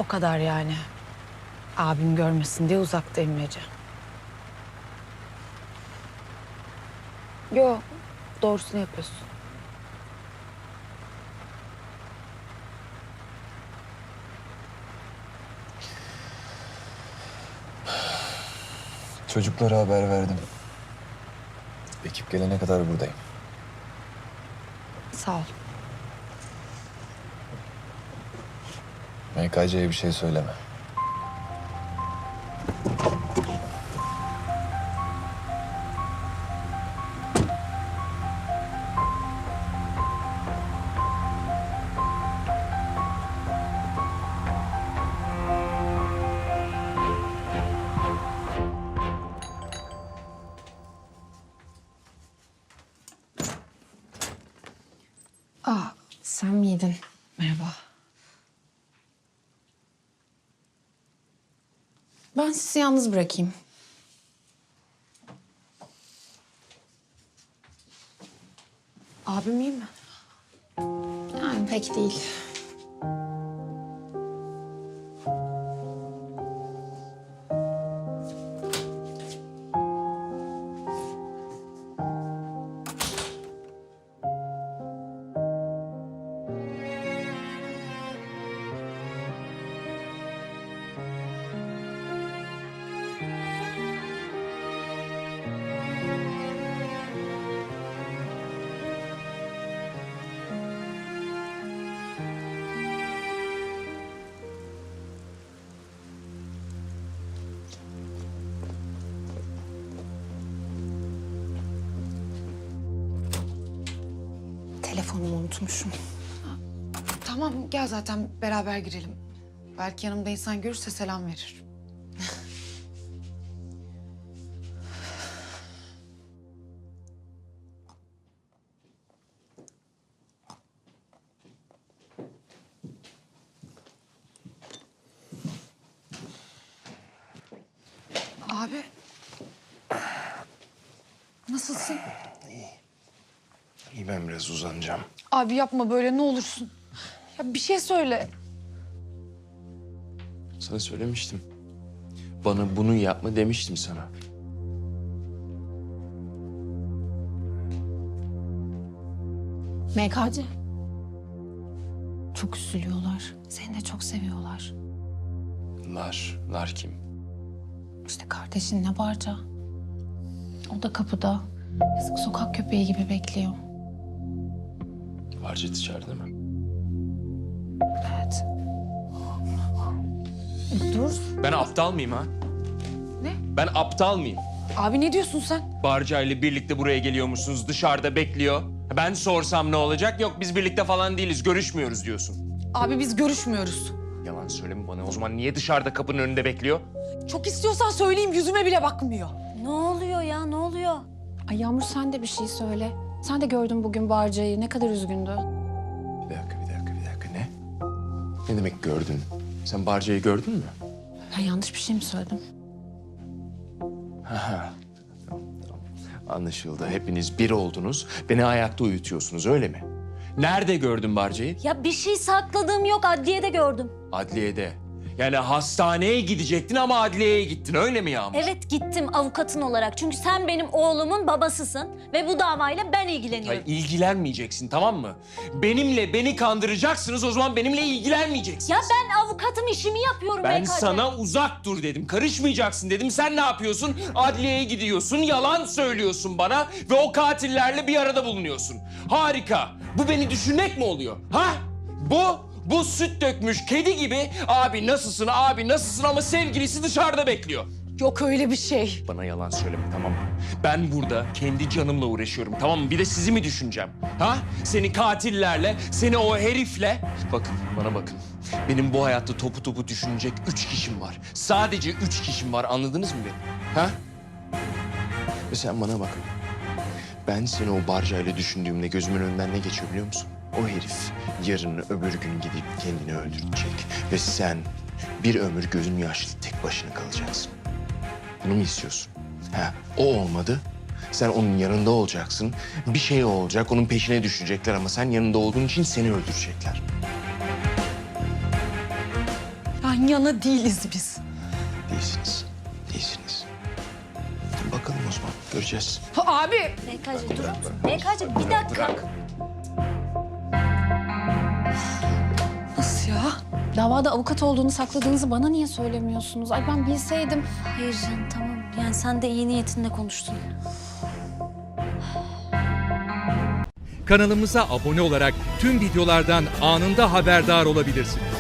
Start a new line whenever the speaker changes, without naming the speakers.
O kadar yani. Abim görmesin diye uzaktayım Ece. Yo, doğrusunu yapıyorsun.
Çocuklara haber verdim. Ekip gelene kadar buradayım.
Sağ ol.
MKC'ye bir şey söyleme.
Sen miydin? Merhaba. Ben sizi yalnız bırakayım. Abim iyi mi? Yani pek değil. Telefonumu unutmuşum.
Tamam gel zaten beraber girelim. Belki yanımda insan görürse selam verir. Abi. Nasılsın?
İyi, ben biraz uzanacağım.
Abi yapma böyle ne olursun. Ya bir şey söyle.
Sana söylemiştim. Bana bunu yapma demiştim sana.
MKC. Çok üzülüyorlar. Seni de çok seviyorlar.
Lar kim?
İşte kardeşinle Barca. O da kapıda. Yazık sokak köpeği gibi bekliyor.
Barca içeride mi?
Evet. Dur.
Ben aptal mıyım ha?
Ne?
Ben aptal mıyım?
Abi ne diyorsun sen?
Barca ile birlikte buraya geliyormuşsunuz, dışarıda bekliyor. Ben sorsam ne olacak? Yok biz birlikte falan değiliz, görüşmüyoruz diyorsun.
Abi biz görüşmüyoruz.
Yalan söyleme bana. O zaman niye dışarıda kapının önünde bekliyor?
Çok istiyorsan söyleyeyim yüzüme bile bakmıyor.
Ne oluyor ya, ne oluyor?
Ay Yağmur sen de bir şey söyle. Sen de gördün bugün Barca'yı. Ne kadar üzgündü.
Bir dakika. Ne? Ne demek gördün? Sen Barca'yı gördün mü?
Ben yanlış bir şey mi söyledim?
Tamam. Anlaşıldı. Hepiniz bir oldunuz. Beni ayakta uyutuyorsunuz öyle mi? Nerede gördün Barca'yı?
Ya bir şey sakladığım yok, adliyede gördüm.
Adliyede. Yani hastaneye gidecektin ama adliyeye gittin öyle mi Yağmur?
Evet gittim avukatın olarak. Çünkü sen benim oğlumun babasısın ve bu davayla ben ilgileniyorum.
Hayır, ilgilenmeyeceksin tamam mı? Beni kandıracaksınız o zaman benimle ilgilenmeyeceksin.
Ya ben avukatım işimi yapıyorum
Ben
BKC.
sana uzak dur dedim. Karışmayacaksın dedim. Sen ne yapıyorsun? Adliyeye gidiyorsun, yalan söylüyorsun bana ve o katillerle bir arada bulunuyorsun. Harika. Bu beni düşünmek mi oluyor? Ha? Bu süt dökmüş kedi gibi abi nasılsın ama sevgilisi dışarıda bekliyor.
Yok öyle bir şey.
Bana yalan söyleme tamam mı? Ben burada kendi canımla uğraşıyorum tamam mı? Bir de sizi mi düşüneceğim? Ha? Seni katillerle, seni o herifle... Bakın bana bakın. Benim bu hayatta topu düşünecek 3 kişim var. Sadece 3 kişim var anladınız mı beni? Ha? Ve sen bana bak. Ben seni o Barca'yla düşündüğümde gözümün önünden ne geçiyor biliyor musun? O herif yarın öbür gün gidip kendini öldürecek. Ve sen bir ömür gözün yaşlı tek başına kalacaksın. Bunu mu istiyorsun? Ha, o olmadı. Sen onun yanında olacaksın. Bir şey olacak, onun peşine düşecekler ama sen yanında olduğun için seni öldürecekler.
Ben
yan yana değiliz biz.
Değilsiniz. Değilsiniz. Bakalım o zaman. Göreceğiz.
Abi.
BK'cığım dur. BK'cığım bir dakika.
Nasıl ya? Davada avukat olduğunu sakladığınızı bana niye söylemiyorsunuz? Ay ben bilseydim.
Hayır canım tamam. Yani sen de iyi niyetinle konuştun.
Kanalımıza abone olarak tüm videolardan anında haberdar olabilirsiniz.